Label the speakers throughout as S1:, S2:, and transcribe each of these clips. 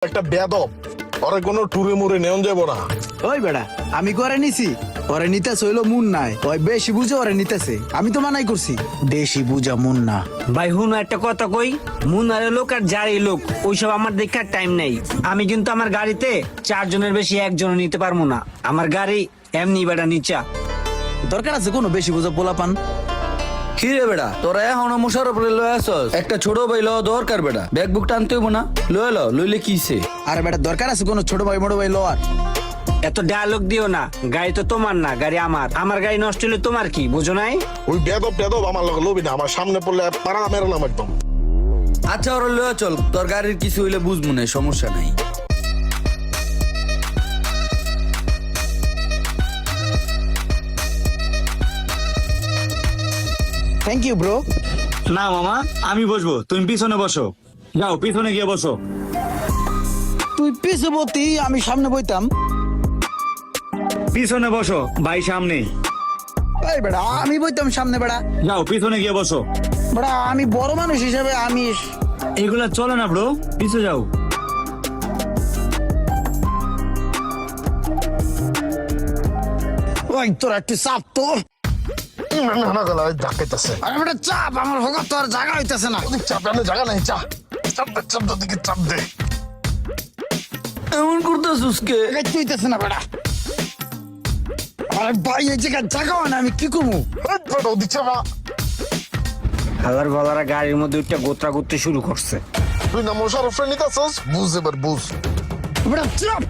S1: একটা বেদব, ওরে কোনো টুরে মুরে নেওয়া যাবো না।
S2: ওই বেড়া আমি করে নিছি, ওরে নিতেছে হইলো মুন নাই, ওই বেশি বুঝে ওরে নিতেছে, আমি তো মানাই করছি। বেশি বুঝা মুন না
S3: ভাই হুন একটা কথা কই, মুনারে লোক আর যারই লোক ওইসব আমার দেখার টাইম নেই। আমি কিন্তু আমার গাড়িতে 4 জনের বেশি একজন নিতে পারবো না। আমার গাড়ি এমনি বেটা নিচা।
S2: দরকার আছে কোনো বেশি বুঝা পোলা পান?
S4: কি রে বেটা, তোরা এখনো মোশারফ রে লয়ে আসস? একটা ছোট ভাই লওয়া দরকার বেটা, ব্যাগ বুক টানতে হইব না? লইলে কিছে?
S2: আরে বেটা দরকার আছে কোনো ছোট ভাই বড় ভাই লোয়ার?
S3: এত ডায়লগ দিও না, গাড়ি তো তোমার না, গাড়ি আমার। আমার গাড়ি নষ্ট হলে তোমার কি, বুঝো নাই?
S1: ওই বেদব আমার লগে লবি না, আমার সামনে পড়লে পাড়া মেরালাম একদম।
S4: আচ্ছা ওরা লয়ে চল, তোর গাড়ির কিছু হইলে বুঝবো না, সমস্যা নাই।
S2: Thank you bro.
S5: না মামা, আমি বসবো, তুমি পিছনে বসো। যাও পিছনে গিয়ে বসো।
S2: তুই পিছে বলতি, আমি সামনে বইতাম।
S5: পিছনে বসো, ভাই সামনে।
S2: এই বেড়া আমি বইতাম সামনে বেড়া।
S5: যাও পিছনে গিয়ে বসো।
S2: বেড়া আমি বড় মানুষ হিসেবে আমি
S5: এগুলা চলে না ব্রো, পিছে যাও।
S2: ওই তোর একটু চাপ তো।
S1: না গেল ধাক্কাইতেছে।
S2: আরে বেটা চাপ, আমার হোক তোর জায়গা হইতেছে না।
S1: চাপ এনে জায়গা নাই, চাপ দে দিকে চাপ দে।
S4: এমন করতেছিস কে?
S2: হইতেছে না বেড়া। আরে ভাই এই জায়গা জায়গা হয় না, আমি কি করবো?
S1: দিচ্ছে না।
S3: হালার বালারা গাড়ির মধ্যে একটা গোত্রা করতে শুরু করছে।
S1: তুই না মোশারফ রে নিতেছস, বুঝ এবার বুঝ।
S2: বেটা চাপ।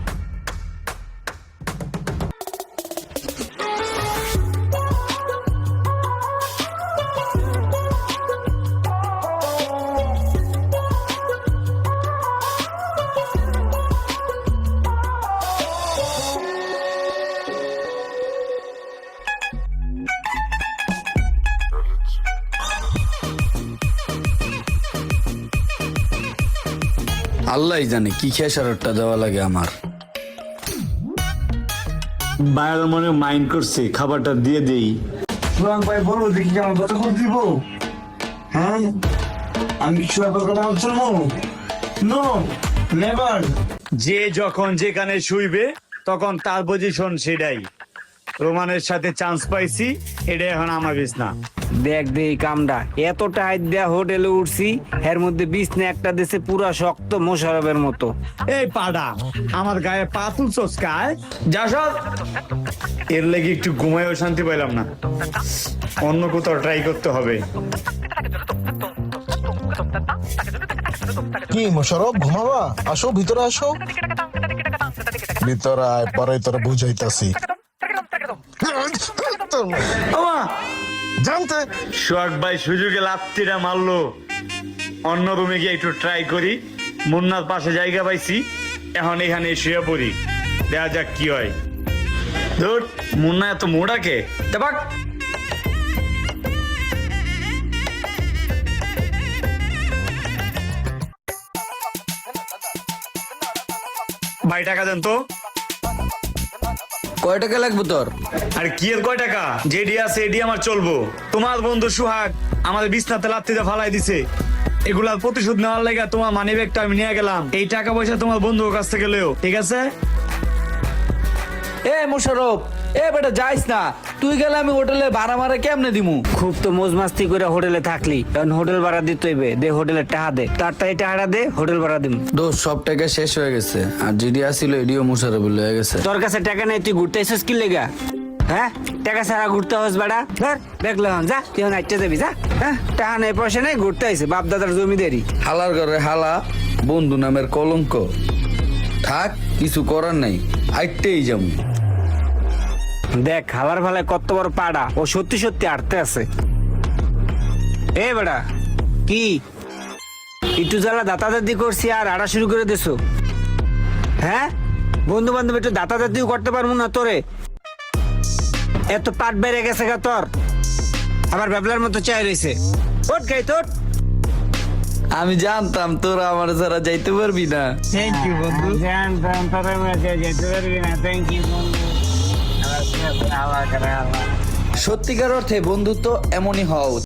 S4: আল্লাহ জানে কি খেসারটা দেওয়া লাগে আমার।
S5: বাইরের মনে মাইন্ড করছে, খাবারটা দিয়ে দেই।
S6: ভাই বলো দেখি কেমন কত করে দিব? হ্যাঁ আমি চলবো নো নেভার।
S5: যে যখন যেখানে শুইবে তখন তার পজিশন সেটাই। রোমানের সাথে চান্স পাইছি, এটা এখন আমার বিছনা।
S3: দেখ দে এই কামটা, এত টাইট দেয়া হোটেলে উঠছি, এর মধ্যে বিছনা একটা দেশে পুরা শক্ত মোশারফের মতো।
S5: এই পাডা, আমার গায়ে পা তুলছস কায়? যা সব। এর লেগে একটু ঘুমায়ও শান্তি পাইলাম না, অন্য কোথাও ট্রাই করতে হবে।
S1: কি মোশারফ ঘুমাবা? আসো ভিতরে আসো। ভিতরে আয়, পরে তোরা বুঝাইতাছি। জানতে
S5: সোহাগ ভাই সুযোগে লাত্তিটা মারলো। অন্য রুমে গিয়ে একটু ট্রাই করি। মুন্নার পাশে জায়গা পাইছি, এখন এখানে শুয়ে পড়ি, দেখা যাক কি হয়। ধুর, মুন্না এত মোড়াকে দেবাক। ভাই টাকা দেন তো।
S4: কয় টাকা লাগবে তোর?
S5: আর কি এর কয় টাকা? যেডি আছে এডি আমার চলবো। তোমার বন্ধু সোহাগ আমাদের বিছনাতে লাত্তিতে ফালাই দিছে, এগুলার প্রতিশোধ নেওয়ার লাগা তোমার মানি ব্যাগটা আমি নিয়ে গেলাম। এই টাকা পয়সা তোমার বন্ধুর কাছ থেকে লেও, ঠিক আছে?
S4: এ মোশারফ, এ বেটা যাইস না, তুই গেলে আমি হোটেলে ভাড়া মারা কেমনে দিমু?
S3: খুব তো মোজ মাস্তি করে হোটেলে থাকলি, কারণ হোটেল ভাড়া দিতে হইবে। দে হোটেলের টাকা দে, তাড়াতাড়ি টাকাটা দে, হোটেল ভাড়া দিম।
S4: দোষ সব টাকা শেষ হয়ে গেছে, আর যেডি আসিল এডিও মোশারফ লয়ে গেছে।
S3: তোর কাছে টাকা নেই, তুই ঘুরতে এসেছিস কি লেগা? হ্যাঁ টাকা ছাড়া ঘুরতে হস বেড়া? ধর দেখলে যা, তুই এখন আইতে যাবি যা। হ্যাঁ টাকা নেই পয়সা নেই, ঘুরতে আইসে বাপ দাদার জমিদারি।
S4: হালার ঘরে হালা, বন্ধু নামের কলঙ্ক। থাক, কিছু করার নাই, আইতেই যাবো।
S3: দেখ হালার ভালায় কত বড় পাড়া, ও সত্যি সত্যি আটতে আছে। এ বেড়া কি একটু জ্বালা দাতা দাদি করছি আর আড়া শুরু করে দিছো? হ্যাঁ বন্ধু বান্ধব একটু দাতা দাদিও করতে পারবো না তোরে? এত পাট বেড়ে গেছে গা তোর, আবার ব্যাবলার মতো চাই রয়েছে। ওট গাই তোর।
S4: আমি জানতাম তোরা আমার ছাড়া যাইতে পারবি না।
S3: থ্যাংক ইউ বন্ধু। জানতাম তোরা যেতে পারবি না। থ্যাংক ইউ বন্ধু।
S4: সত্যিকার অর্থে বন্ধুত্ব এমনই হওয়া উচিত।